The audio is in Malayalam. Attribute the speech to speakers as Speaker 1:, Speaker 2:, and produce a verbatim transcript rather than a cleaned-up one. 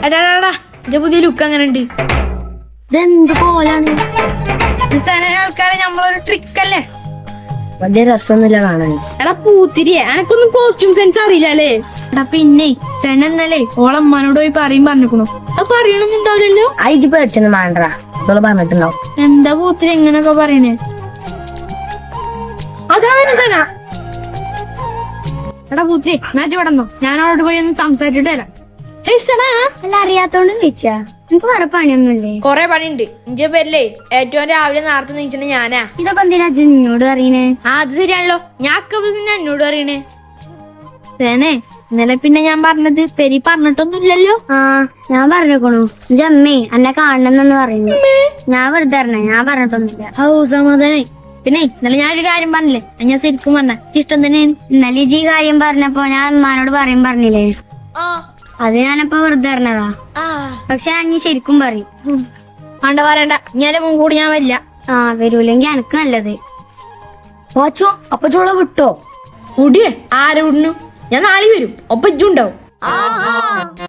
Speaker 1: എടാടാ എന്റെ പുതിയ ലുക്ക് അങ്ങനെ ഉണ്ട്.
Speaker 2: ഇതെന്ത് പോലാണ്?
Speaker 1: ആൾക്കാരെ നമ്മളൊരു ട്രിക്ക് അല്ലേ?
Speaker 2: വലിയ രസമൊന്നുമില്ല കാണാൻ.
Speaker 1: എടാ പൂത്തിരിയെ എനക്കൊന്നും കോസ്റ്റ്യൂം സെൻസ് അറിയില്ല അല്ലേ? എടാ പിന്നെ സെന എന്നല്ലേ ഓളമ്മാനോട് പോയി പറയും പറഞ്ഞിക്കണു. അത് പറയണമെന്നുണ്ടാവില്ലല്ലോ.
Speaker 2: അയച്ചു പേടിച്ചൊന്നും വേണ്ടടാ, ഇതോള് പറഞ്ഞിട്ടുണ്ടാവും.
Speaker 1: എന്താ പൂത്തിരി എങ്ങനൊക്കെ പറയണേ? അതാ സെന. എടാ പൂത്തിരി ഞാൻ വിടന്നോ, ഞാൻ അവളോട് പോയി ഒന്ന് സംസാരിച്ചിട്ട് വരാം.
Speaker 2: അല്ല അറിയാത്തോണ്ട് ചോദിച്ചാ, നിനക്ക് വേറെ പണിയൊന്നുമില്ലേ?
Speaker 1: കൊറേ പണിയുണ്ട്. ഇഞ്ചെ പേരില്ലേ ഏറ്റവും രാവിലെ നേരത്തെ നീച്ചണ ഞാനാ.
Speaker 2: ഇതൊക്കെ എന്തിനാ എന്നോട് പറയണേ?
Speaker 1: ആ അത് ശരിയാണല്ലോ, ഞാൻ എന്നോട് പറയണേ. തേനെ ഇന്നലെ പിന്നെ ഞാൻ പറഞ്ഞത് പെരി പറഞ്ഞിട്ടൊന്നുമില്ലല്ലോ.
Speaker 2: ആ ഞാൻ പറഞ്ഞേക്കണു, എന്റെ അമ്മേ എന്നെ കാണണമെന്നു പറയുന്നു. ഞാൻ വെറുതെ പറഞ്ഞേ, ഞാൻ പറഞ്ഞിട്ടൊന്നുമില്ല.
Speaker 1: ഓ സമാധാനായി. പിന്നെ ഇന്നലെ ഞാനൊരു കാര്യം പറഞ്ഞില്ലേ, ഞാൻ ശരിക്കും പറഞ്ഞ ഇഷ്ടം തന്നെയാണ്.
Speaker 2: ഇന്നലെ ഈ കാര്യം പറഞ്ഞപ്പോ ഞാൻ അമ്മാനോട് പറയും പറഞ്ഞില്ലേ, അത് ഞാനപ്പോ വെറുതെ പറഞ്ഞതാ. പക്ഷെ ഞാൻ ശരിക്കും പറയും.
Speaker 1: വേണ്ട പറയണ്ട, ഞാൻ മുൻ കൂടി ഞാൻ വരില്ല.
Speaker 2: ആ വരൂലെങ്കി എനക്ക് നല്ലത്.
Speaker 1: ഓച്ചോ അപ്പൊ ചോള വിട്ടോ? കൂടിയേ ആരെ വിടുന്നു? ഞാൻ നാളെ വരും, ഒപ്പം ഇജ്ജുണ്ടാവും.